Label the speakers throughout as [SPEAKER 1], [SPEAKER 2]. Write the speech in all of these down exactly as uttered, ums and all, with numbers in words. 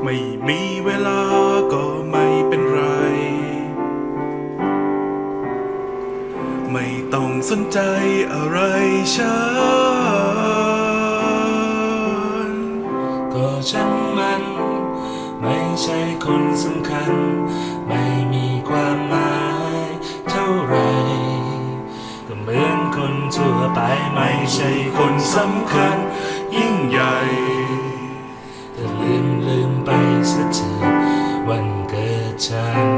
[SPEAKER 1] ไม่มีเวลาก็ไม่เป็นไรไม่ต้องสนใจอะไรฉัน
[SPEAKER 2] ก็ฉันมันไม่ใช่คนสำคัญไม่มีความหมายเท่าไรก็เหมือนคนทั่วไปไม่ใช่คนสำคัญยิ่งใหญ่แต่ลืมลืมไปซะเถอะวันเกิดฉัน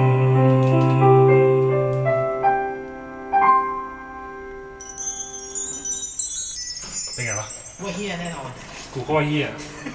[SPEAKER 2] เป็นไงวะ
[SPEAKER 3] ว่าเฮียแน่นอน
[SPEAKER 2] กูก็ว่าเฮีย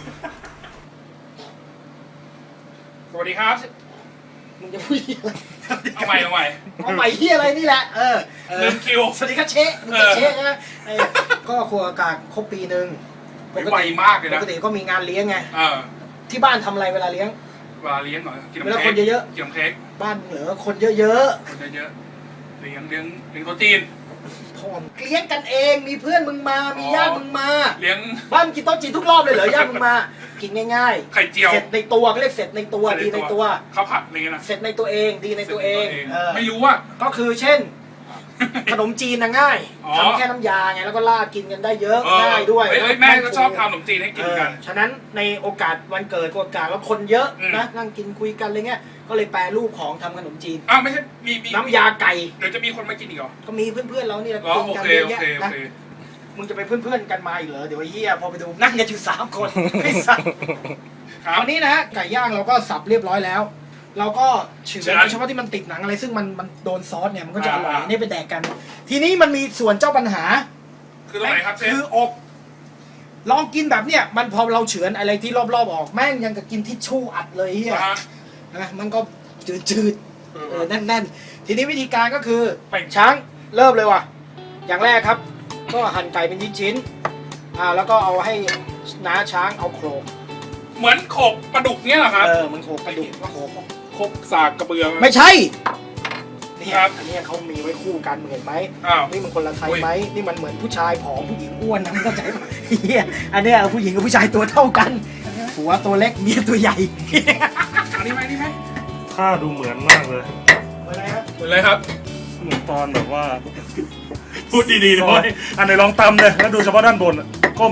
[SPEAKER 4] สวัสดีครับ
[SPEAKER 3] มึงจะพูดเฮียอะไร
[SPEAKER 4] เอาใหม่เอาใหม่
[SPEAKER 3] เอาใหม่เฮียอะไรนี่แหละเออ
[SPEAKER 4] เริ่มคิว
[SPEAKER 3] สวัสดีครับเชะมึงจะเชะใช่ไหมก็ครัวอากาศครบปีหนึ่ง
[SPEAKER 4] ไวมากเลยนะ
[SPEAKER 3] ปกติก็มีงานเลี้ยงไง
[SPEAKER 4] เออ
[SPEAKER 3] ที่บ้านทำอะไรเวลาเลี้ยง
[SPEAKER 4] เวลาเลี้ยงเหรอกิน
[SPEAKER 3] เวลาคนเยอะ
[SPEAKER 4] ๆกินน้ำเค้ก
[SPEAKER 3] บ้านเหลือคนเยอะ
[SPEAKER 4] ๆคนเยอะๆเลี้ยงเลี้ยงเลี้ยงโต๊ะจีน
[SPEAKER 3] พอมเลี้ยงกันเองมีเพื่อนมึงมามีญาติมึงมา
[SPEAKER 4] เลี้ยง
[SPEAKER 3] บ้านกินโต๊ะจีนทุกรอบเลยเหรอญาติมึงมากินง่าย
[SPEAKER 4] ๆไข่เจียว
[SPEAKER 3] เสร็จในตัวก็เรียกเสร็จในตัวดีในตัว
[SPEAKER 4] ข้าวผัดอะไรเงี้ยนะ
[SPEAKER 3] เสร็จในตัวเองดีในตัวเอง
[SPEAKER 4] ไม่รู้ว่า
[SPEAKER 3] ก็คือเช่นขนมจีนนะง่ายทำแค่น้ำยาไงแล้วก็ราดกินกันได้เยอะง่ายด้วย
[SPEAKER 4] แม่ก็ชอบทำขนมจีนให้กินกัน
[SPEAKER 3] ฉะนั้นในโอกาสวันเกิดโอกาสแล้วคนเยอะนะนั่งกินคุยกันอะไรเงี้ยก็เลยแปรรูปของทำขนมจีน
[SPEAKER 4] อ้าวไม่ใช่มี
[SPEAKER 3] น้ำยาไก่
[SPEAKER 4] เดี๋ยวจะมีคนมากินอีกเหรอ
[SPEAKER 3] ก็มีเพื่อนๆเราเนี่ย
[SPEAKER 4] กินกันเยอะแยะนะ
[SPEAKER 3] มึงจะไปเพื่อนๆกันมาอีกเหรอเดี๋ยวไอ้เหี้ยพอไปดูนั่งกันอยู่สามคนไม่สับวันนี้นะฮะไก่ย่างเราก็สับเรียบร้อยแล้วเราก็เฉือนเฉพาะที่มันติดหนังอะไรซึ่งมันมันโดนซอสเนี่ยมันก็จะอร่อยนี่ไปแดกกันทีนี้มันมีส่วนเจ้าปัญหา
[SPEAKER 4] คืออะไรครับเชฟ
[SPEAKER 3] คืออกลองกินแบบเนี้ยมันพอเราเฉือนอะไรที่รอบๆออกแม่งยังกับกินทิชชู่อัดเลยเฮียนะมันก็จืดๆเออแน่นๆทีนี้วิธีการก็คือช้างเริ่มเลยว่ะอย่างแรกครับก็หั่นไก่เป็นชิ้นๆอ่าแล้วก็เอาให้น้าช้างเอาโขลก
[SPEAKER 4] เหมือนโขกปลาดุกเนี้ยเหรอครับ
[SPEAKER 3] เออมันโขกปลาดุกก็โขก
[SPEAKER 4] โขกสากกระเบือ
[SPEAKER 3] ไม่ใช่นี่ครับอันนี้เขามีไว้คู่กันเห็นไหมนี่มันคนละไซส์ไหมนี่มันเหมือนผู้ชายผอมผู้หญิงอ้วนนะเข้าใจไหมเฮียอันนี้ผู้หญิงกับผู้ชายตัวเท่ากันหัวตัวเล็กเมียตัวใหญ่
[SPEAKER 4] อันนี้ไหมนี่ไหม
[SPEAKER 2] ถ้าดูเหมือนมากเลย
[SPEAKER 3] เหมือนอะไรครับ
[SPEAKER 4] เหมือนอะไรครับ
[SPEAKER 2] เหมือนตอนแบบว่า
[SPEAKER 4] พูดดีๆด้วย
[SPEAKER 2] อันไหนลองตำเลยแล้วดูเฉพาะด้านบนก้ม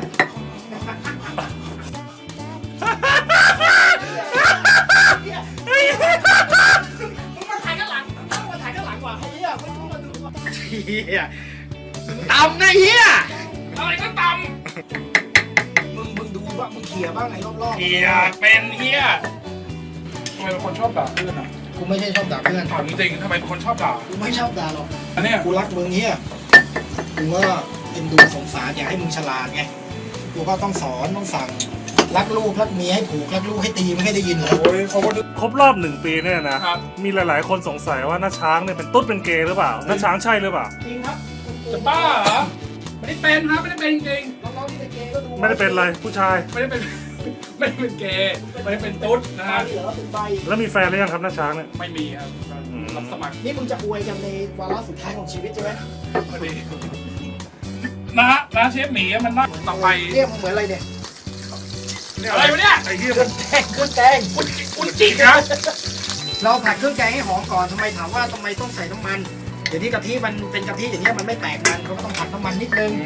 [SPEAKER 3] เฮียตำนะเฮีย
[SPEAKER 4] อะไรก็ต
[SPEAKER 3] ำมึงมึงดูบ้างมึงเขี่ยบ้างไงรอบๆ
[SPEAKER 4] เฮียเป็นเฮียทำไมเป็นคนชอบด่าเพื่อนอ่ะ
[SPEAKER 3] กูไม่ใช่ชอบด่าเพื่อน
[SPEAKER 4] ถามจริงๆทำไมเป็นคนชอบด่า
[SPEAKER 3] กูไม่ชอบด่าหรอก
[SPEAKER 4] อันนี้
[SPEAKER 3] กูรักมึงเฮียกูก็เอ็นดูสงสารอยากให้มึงฉลาดไงกูก็ต้องสอนต้องสั่งรักลูกรักเมียให้ผูกรักลูกให้ตีไม่ให้ได้ยินเลย
[SPEAKER 4] โอ้ยเขาก็
[SPEAKER 2] ครบรอบหนึ่งปีเนี่ยนะมีหลายๆคนสงสัยว่าน้าช้างเนี่ยเป็นตุ๊ดเป็นเกย์หรือเปล่าน้าช้างใช่หรือเปล่า
[SPEAKER 3] จริงครับ
[SPEAKER 4] จะบ้าเหรอไม่ได้เป็นครับไม่ได้เป็นจริง
[SPEAKER 3] น้องๆที่เป็นเกย์ก็ดู
[SPEAKER 2] ไม่ได้เป็นอะไรผู้ชาย
[SPEAKER 4] ไม่ได้เป็นไม่ได้เป็นเกย์ไม่ได้เป็นตุ๊ดนะฮะ
[SPEAKER 2] แล้วมีแฟนหรือยังครับน้าช้างเนี่ย
[SPEAKER 4] ไม่มีครับรับสมัคร
[SPEAKER 3] นี่มึงจะอวยกันในวาระสุดท้ายของชีวิตใช่ไหม
[SPEAKER 4] พอดีนะฮะนะเชฟหมีมันน่าต่อไป
[SPEAKER 3] เรียกมึงเหมือนอะไรเนี่ย
[SPEAKER 4] อะไรวะเนี่ย
[SPEAKER 3] ไอ้เหี้ยเครื่องแกงเครื่องแกง
[SPEAKER 4] อุจจิครับ
[SPEAKER 3] เราผัดเครื่องแกงให้หอมก่อนทำไมถามว่าทำไมต้องใส่น้ำมันเดี๋ยวนี้กะทิมันเป็นกะทิอย่างเงี้ยมันไม่แตกมันเขาก็ต้องผัดน้ำมันนิดนึง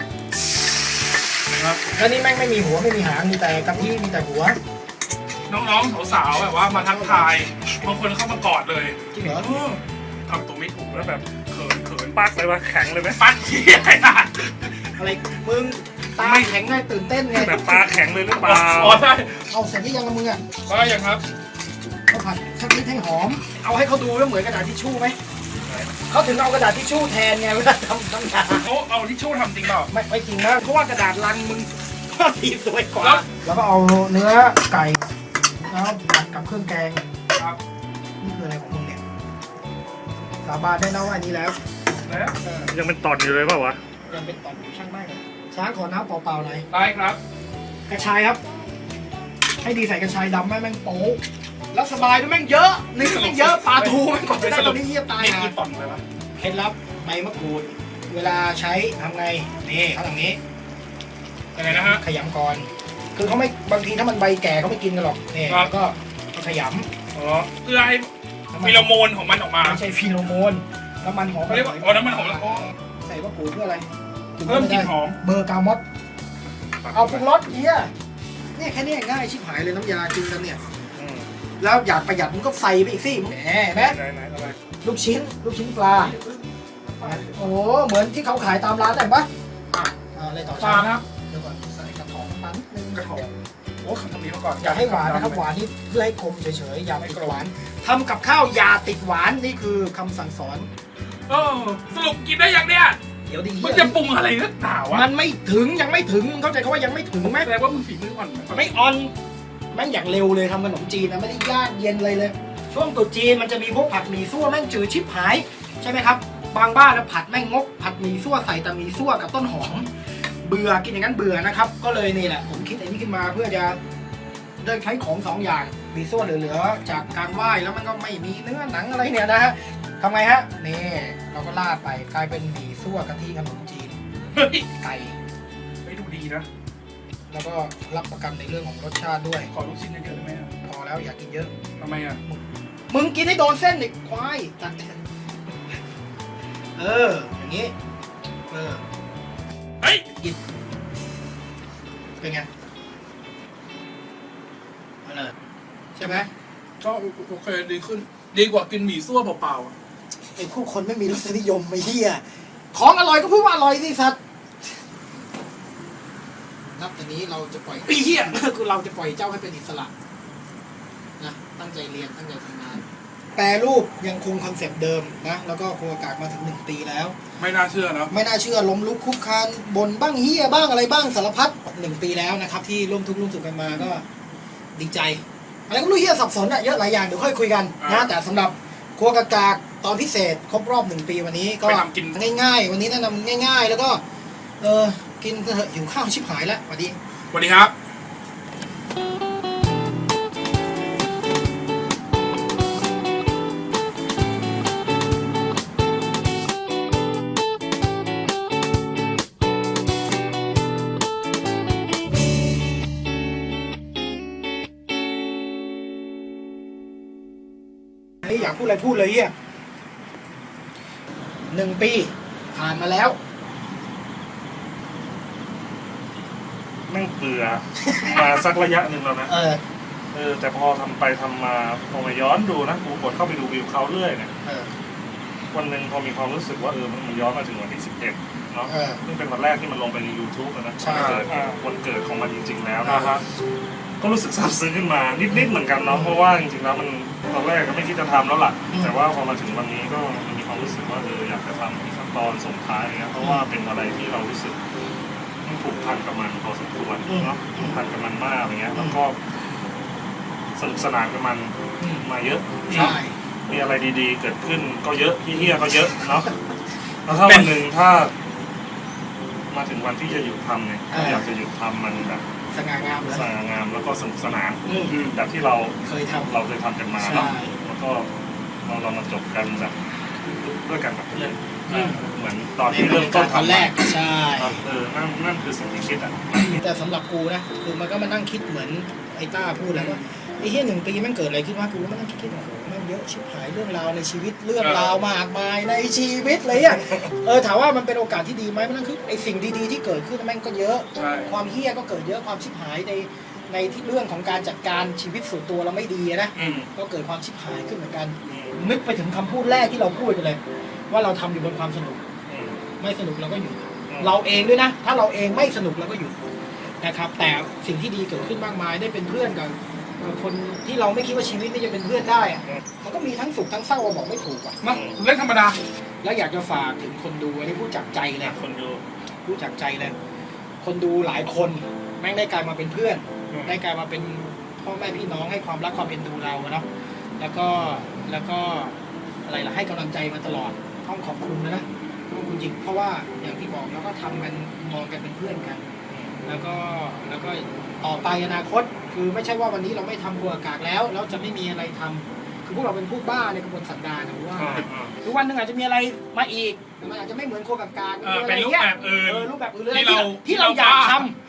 [SPEAKER 4] ครับ
[SPEAKER 3] แล้วนี่แม่งไม่มีหัวไม่มีหางมีแต่กะทิมีแต่หัว
[SPEAKER 4] น้องๆสาวๆแบบว่ามาทักทายบางคนเข้ามากอดเลย
[SPEAKER 3] จริงเหรอ
[SPEAKER 4] ทำตัวไม่ถูก
[SPEAKER 2] แล้วแบบเขินเขินปักเลยวะแข็งเลยไหม
[SPEAKER 4] ปักเหี้ย
[SPEAKER 3] อะไรมึงตาแข็งไงตื่นเต้นไง
[SPEAKER 2] แบบตาแข็งเลยหรือเปล่า
[SPEAKER 4] อ๋อใช่
[SPEAKER 3] เอาเสร็จที่ยังกับมึงอ่ะ
[SPEAKER 4] ได้ยังครับ
[SPEAKER 3] เขาผัดสักนิดให้หอมเอาให้เขาดูว่าเหมือนกระดาษทิชชู่ไหมเขาถึงเอากระดาษทิชชู่แทนไงเวลาทำทำงาน
[SPEAKER 4] เขาเอาทิชชู่ทำจริงเปล่า
[SPEAKER 3] ไม่ไม่จริงนะเพราะว่ากระดาษลังมึงก็ดีสวยกว่าแล้วก็เอาเนื้อไก่แล้วผัดกับเครื่องแกง
[SPEAKER 4] ครับ
[SPEAKER 3] นี่คืออะไรของมึงเนี่ยสาบานได้นะว่าอันนี้แล้ว
[SPEAKER 4] แล้ว
[SPEAKER 2] ยังเป็นตอนอยู่เลยเปล่าวะ
[SPEAKER 3] ยังเป็นตอนอยู่ช่างได้เลยช้างขอน้ำเปล่าๆหน่อย
[SPEAKER 4] ได้ครับ
[SPEAKER 3] กระชายครับให้ดีใส่กระชายดำแม่งแม่งโป๊แล้วสบายด้วยแม่งเยอะนี่แม่งเยอะปลาทูแม่งกว่าจะได้ตอนนี้เยี่ยตายนะ
[SPEAKER 4] นี่ต่อนเลยวะ
[SPEAKER 3] เคล็ดลับใบมะกรูดเวลาใช้ทำไงนี่เขาทำนี้
[SPEAKER 4] ยังไงนะฮะ
[SPEAKER 3] ขยำก่อนคือเขาไม่บางทีถ้ามันใบแก่เขาไม่กินกันหรอกเนี่ยแล้วก็ขย
[SPEAKER 4] อ๋อเพื่อให้
[SPEAKER 3] ำ
[SPEAKER 4] ฟีโรโมนของมันออกมา
[SPEAKER 3] ไม่ใช่ฟีโรโมนน้ำมันหอม
[SPEAKER 4] เขาเรียกว่าอ๋อน้ำมันหอมแล้วอ๋อ
[SPEAKER 3] ใส่มะกรูดเพื่ออะไร
[SPEAKER 4] เพิ่มกลิ่นหอม
[SPEAKER 3] เบอร์กามอสเอาปรุงรสเฮียเนี่ยแค่นี้ง่ายชิบหายเลยน้ำยากินกันเนี่ย
[SPEAKER 4] อืม
[SPEAKER 3] แล้วอยากประหยัดมึงก็ใส่ไปอีกสิแหมเห็นไหม
[SPEAKER 4] ไหนไหนอะไร
[SPEAKER 3] ลูกชิ้น ลูกชิ้นปลาโอ้โหเหมือนที่เขาขายตามร้านได้ปะอ่ะอ่าอะไรต่อ
[SPEAKER 4] ปลานะครับ
[SPEAKER 3] เดี๋ยวก่อนใส่กระถองน้ำมันนิดนึง
[SPEAKER 4] กระถองโอ้ทำนี้มาก่อน
[SPEAKER 3] อย่าให้หวานนะครับหวานนี่เพื่อให้คมเฉยๆอย่าติดหวานทำกับข้าวอย่าติดหวานนี่คือคำสั่งสอน
[SPEAKER 4] เออสรุปกินได้ยังเนี่ย
[SPEAKER 3] เดี๋ยวดี
[SPEAKER 4] มันจะปรุงอะไรนักหนาวะ
[SPEAKER 3] มันไม่ถึงยังไม่ถึงมึงเข้าใจเขาว่ายังไม่ถึงไหม
[SPEAKER 4] แสดงว่ามึงฝีมืออ่อน
[SPEAKER 3] ไม่ออนแม่งอย่างเร็วเลยทำขนมจีนนะไม่ได้ยากเย็นเลยเลย ช่วงตรุษจีนมันจะมีพวกผัดหมี่ซั่วแม่งจืดชิบหายใช่ไหมครับบางบ้านนะผัดแม่งงกผัดหมี่ซั่วใส่แต่หมี่ซั่วกับต้นหอมเบื่อกินอย่างนั้นเบื่อนะครับก็เลยนี่แหละผมคิดไอ้นี่ขึ้นมาเพื่อจะได้ใช้ของสองอย่างหมี่ซั่วเหลือๆจากการไหว้แล้วมันก็ไม่มีเนื้อหนังอะไรเนี่ยนะฮะทำไงฮะนี่เราก็ราดไปกลายเป็นหมี่ซั่วกะทิขนมจีน
[SPEAKER 4] เฮ้ย
[SPEAKER 3] ไก่
[SPEAKER 4] ไม่ดูดีนะ
[SPEAKER 3] แล้วก็รับประกันในเรื่องของรสชาติด้วย
[SPEAKER 4] ขอลูกชิ้นเยอะๆได้ไหมอะ
[SPEAKER 3] พอแล้วอยากกินเยอะ
[SPEAKER 4] ทำไมอ่ะ
[SPEAKER 3] มึงกินให้โดนเส้นอีกควายตัดเออ อย่างงี้ เออ
[SPEAKER 4] เฮ้ย
[SPEAKER 3] กิน เป็นไงเอาเลยใช่ไหม
[SPEAKER 4] ก็โอเคดีขึ้น ดีกว่ากินหมี่ซั่วเปล่าๆอะ
[SPEAKER 3] ไอ้พวกคนไม่มีรสนิยมไม่เฮียของอร่อยก็พูดว่าอร่อยสิสัตว์นับแต่นี้เราจะปล่อย
[SPEAKER 4] ไอ้เหี้ย
[SPEAKER 3] คือเราจะปล่อยเจ้าให้เป็นอิสระนะตั้งใจเรียนตั้งใจทำงาน แปรรูปยังคงคอนเซปต์เดิมนะแล้วก็ครัวกากมาถึงหนึ่งปีแล้ว
[SPEAKER 4] ไม่น่าเชื่อนะ
[SPEAKER 3] ไม่น่าเชื่อล้มลุกคุกคานบนบ้างเฮียบ้างอะไรบ้างสารพัดหนึ่งปีแล้วนะครับ ที่ร่วมทุกข์ร่วมสุขกันมาก็ดีใจอะไรก็ไม่รู้เฮียสับสนอะเยอะหลายอย่างเดี๋ยวค่อยคุยกันนะแต่สำหรับครัวกากากตอนพิเศษครบรอบหนึ่งปีวันนี้ก็
[SPEAKER 4] ไปทำกิน
[SPEAKER 3] ง่ายๆ วันนี้แนะนำง่าย ๆ แล้วก็เออกินเถอะหิวข้าวชิบหายแล้วสวัสดี
[SPEAKER 4] สวัสดีครับ
[SPEAKER 3] นี่อยากพูดอะไรพูดเลยเฮียหนึ่งปีผ่านมาแล้ว
[SPEAKER 2] แม่งเบื่อ มาสักระยะหนึ่งแล้วนะ
[SPEAKER 3] เออ
[SPEAKER 2] เออแต่พอทำไปทำมาพอมาย้อนดูนะกูกดเข้าไปดูวิวเขาเรื่อยเนี่ย
[SPEAKER 3] เออ
[SPEAKER 2] วันหนึ่งพอมีความรู้สึกว่าเออมันมันย้อนมาถึงวันที่สิบเอ็ดเนาะ
[SPEAKER 3] เออ
[SPEAKER 2] ซึ่งเป็นวันแรกที่มันลงไปใน ยูทูบ อะนะ
[SPEAKER 3] ใช่
[SPEAKER 2] เกิดวันเกิดของมันจริง ๆ แล้ว
[SPEAKER 4] อ่า
[SPEAKER 2] นะ
[SPEAKER 4] ฮะ
[SPEAKER 2] ก็รู้สึกซาบซึ้งขึ้นมานิดๆเหมือนกันเนาะเพราะว่าจริงๆแล้วมันตอนแรกก็ไม่คิดจะทำแล้วล่ะ แต่ว่าพอมาถึงวันนี้ก็มันมีความรู้สึกว่าเอออยากจะทำอีกขั้นตอนส่งท้ายอย่างเงี้ยเพราะว่าเป็นอะไรที่เรารู้สึกผูกพันกับมันพอสมควรเนาะผูกพันกับมันมากอย่างเงี้ยแล้วก็สนุกสนานกับมันมาเยอะ
[SPEAKER 3] ใช่
[SPEAKER 2] มีอะไรดีๆ เกิดขึ้นก็เยอะที่เฮี้ยก็เยอะเนาะแล้วถ้าวันหนึ่งถ้า มาถึงวันที่จะหยุดทำเนี่ยก็อยากจะหยุดทำมันแบบ
[SPEAKER 3] สง่างามเลย
[SPEAKER 2] สง่างามแล้วก็สนุกสนาน
[SPEAKER 3] อืม
[SPEAKER 2] แบบที่เรา
[SPEAKER 3] เคยทำ
[SPEAKER 2] เราเคยทำกันมา
[SPEAKER 3] ใช่
[SPEAKER 2] เนาะแล้วก็เราเรามาจบกันแบบด้วยกันกับเพื่อนเหมือนตอนที่เริ่มต้น
[SPEAKER 3] ตอน
[SPEAKER 2] ทำ
[SPEAKER 3] แรกใช่
[SPEAKER 2] เออนั่นนั่นคือสิ่งที่คิดอ่ะ
[SPEAKER 3] แต่สำหรับกูนะคือมันก็มานั่งคิดเหมือนไอ้ต้าพูดแล้วว่าไอ้เฮียหนึ่งปีมันเกิดอะไรขึ้นวะกูก็มานั่งคิดคิดโอ้โหแม่งเยอะชิบหายเรื่องราวในชีวิตเรื่องราวมากมายในชีวิตเลยอ่ะเออถามว่ามันเป็นโอกาสที่ดีไหมมันนั่นคือไอ้สิ่งดีๆที่เกิดขึ้นแม่งก็เยอะ
[SPEAKER 4] ใช่
[SPEAKER 3] ความเฮี้ยก็เกิดเยอะความชิบหายในในที่เรื่องของการจัดการชีวิตส่วนตัวเราไม่ดีนะ
[SPEAKER 4] อืม
[SPEAKER 3] ก็เกิดความชิบหายขึ้นเหมือนกันนึกไปถึงคำพูดแรกที่เราพูดกันเลย ว่าเราทำอยู่บนความสนุก ไม่สนุกเราก็หยุดเราเองด้วยนะ ถ้าเราเองไม่สนุกเราก็หยุดนะครับ แต่สิ่งที่ดีเกิดขึ้นมากมายได้เป็นเพื่อนกับกับคนที่เราไม่คิดว่าชีวิตนี้จะเป็นเพื่อนได้อะมันก็มีทั้งสุขทั้งเศร้าบอกไม่ถูกอ่ะ
[SPEAKER 4] มาเรื่องธรรมดา
[SPEAKER 3] แล้วอยากจะฝากถึงคนดูอันนี้พูดจากใจเลย
[SPEAKER 2] คนดู
[SPEAKER 3] พูดจากใจเลยคนดูหลายคนแม่งได้กลายมาเป็นเพื่อน
[SPEAKER 4] อืม
[SPEAKER 3] ได้กลายมาเป็นพ่อแม่พี่น้องให้ความรักความเอ็นดูเราอะเนาะแล้วก็แล้วก็อะไรล่ะให้กำลังใจมาตลอดต้องขอบคุณนะนะขอบคุณจริงเพราะว่าอย่างที่บอกแล้วก็ทำกันมองกันเป็นเพื่อนกัน แล้วก็แล้วก็ต่อไปอนาคตคือไม่ใช่ว่าวันนี้เราไม่ทำครัวกากแล้วแล้วจะไม่มีอะไรทำคือพวกเราเป็นผู้บ้าในกระบวนสันดานนะว่า
[SPEAKER 4] อ่าอ่า
[SPEAKER 3] ทุกวันหนึ่งอาจจะมีอะไรมาอีกแต่มันอาจจะไม่เหมือนครัวกากๆ
[SPEAKER 4] เออ
[SPEAKER 3] มีะ
[SPEAKER 4] เป็น
[SPEAKER 3] ไงี้ย
[SPEAKER 4] รูปแบบอื่น
[SPEAKER 3] เออรูปแบบอื่นหรืออะไร
[SPEAKER 4] ที่เรา
[SPEAKER 3] ที่เราอยากทำ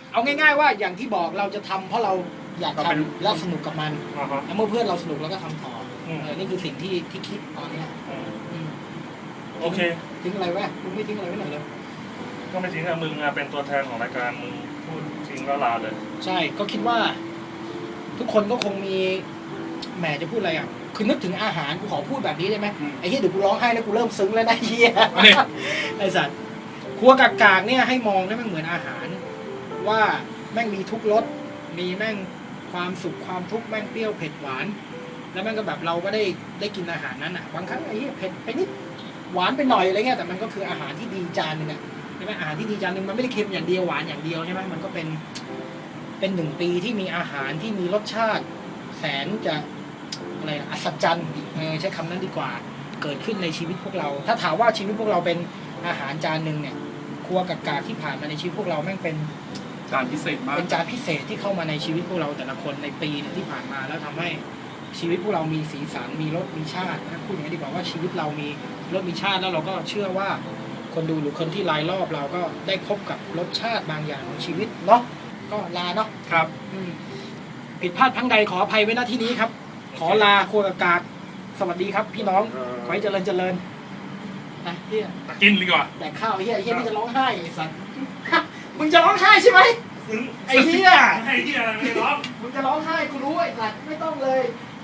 [SPEAKER 3] เอาง่ายๆว่าอย่างที่บอกเราจะทำเพราะเราอยากทำและสนุกกับมัน
[SPEAKER 2] อ่าฮะ
[SPEAKER 3] แล้วเมื่อเพื่อนเราสนุกเราก็ทำต่ออ
[SPEAKER 2] ม
[SPEAKER 3] เออนี่คือสิ่งที่ที่คิดตอนเนี้ย
[SPEAKER 2] อืม
[SPEAKER 3] อืม
[SPEAKER 2] โอเค
[SPEAKER 3] ทิ้งอะไรไว้มึงไม่ทิ้งอะไรไว้หน่อยเลย
[SPEAKER 2] ก็ไม่ทิ้งอะมึงอะเป็นตัวแทนของรายการมึงพูดทิ้งแล้วลาเลย
[SPEAKER 3] ใช่ก็คิดว่า ทุกคนก็คงมีแหมจะพูดอะไรอ่ะคือนึกถึงอาหารกูขอพูดแบบนี้ได้ไหม
[SPEAKER 4] อืม
[SPEAKER 3] ไอ้เหี้ยเดี๋ยวกูร้องไห้แล้วกูเริ่มซึ้งแล้วนะเหี้ย
[SPEAKER 4] อันนี้
[SPEAKER 3] ไอ้สัตว์ครัวกากากเนี่ยให้มองได้มันเหมือนอาหาร ว่าแม่งมีทุกรสมีแม่งความสุขความทุกข์แม่งเปรี้ยวเผ็ดหวาน แล้วแม่งก็แบบเราก็ได้ได้กินอาหารนั้นอ่ะบางครั้งไอ้เหี้ยเผ็ดไปนิดหวานไปหน่อยอะไรเงี้ยแต่มันก็คืออาหารที่ดีจานหนึ่งอ่ะใช่ไหมอาหารที่ดีจานหนึ่งมันไม่ได้เค็มอย่างเดียวหวานอย่างเดียวใช่ไหมมันก็เป็นเป็นหนึ่งปีที่มีอาหารที่มีรสชาติ แสนจะอะไรนะอัศจรรย์เออใช้คำนั้นดีกว่าเกิดขึ้นในชีวิตพวกเรา ถ้าถามว่าชีวิตพวกเราเป็นอาหารจานหนึ่งเนี่ยครัวกากาที่ผ่านมาในชีวิตพวกเราแม่งเป็น
[SPEAKER 4] จานพิเศษมาก
[SPEAKER 3] เป็นจานพิเศษที่เข้ามาในชีวิตพวกเราแต่ละคนในปีหนึงที่ผ่านมาแล้วทำให้ชีวิตพวกเรามีสีสันมีรสมีชาตินะพูดอย่างนี้ดีกว่าว่าชีวิตเรามีรสมีชาติแล้วเราก็เชื่อว่าคนดูหรือคนที่รายรอบเราก็ได้พบกับรสชาติบางอย่างของชีวิตเนาะก็ลาเนาะ
[SPEAKER 4] ครับ
[SPEAKER 3] อืมผิดพลาดทั้งใดขออภัยไว้ณที่นี้ครับ ขอลาครัวกากาสวัสดีครับ พี่น้องขอให้เจริญเจริญนะเฮีย
[SPEAKER 4] กินดีกว่า
[SPEAKER 3] แดกข้าวเฮียเฮียนี่จะร้องไห้ไอ้สัส มึงจะร้องไห้ใช่ไหม ไอ้เหี้ย
[SPEAKER 2] ไอ้เหี้ยอะไรไม่ร้อง
[SPEAKER 3] มึงจะร้องไห้กูรู้ไอ้สัสไม่ต้องเลย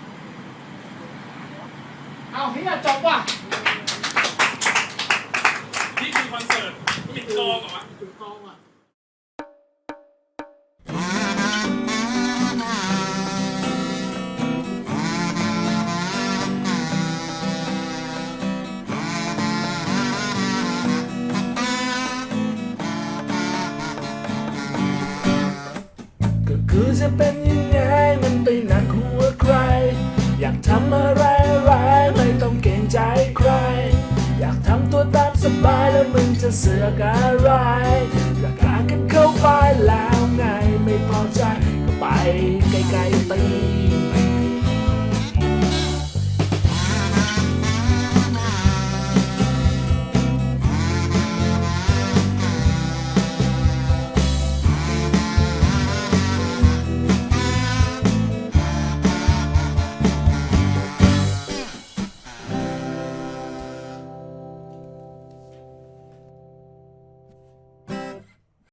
[SPEAKER 3] เอาเฮียจบว่ะ
[SPEAKER 4] นี่คือคอนเสิร์ตปิดกองเหรอวะ
[SPEAKER 3] ถึงกองว่ะ
[SPEAKER 5] ก็คือจะเป็นยังไงมันไปหนักหัวใคร อยากทำอะไรอะไรไม่ต้องเกรงใจใคร อยากทำตัวตามสบายแล้วมึงจะเสือกอะไรก็กางกันเข้าไปแล้วไงไม่พอใจก็ไป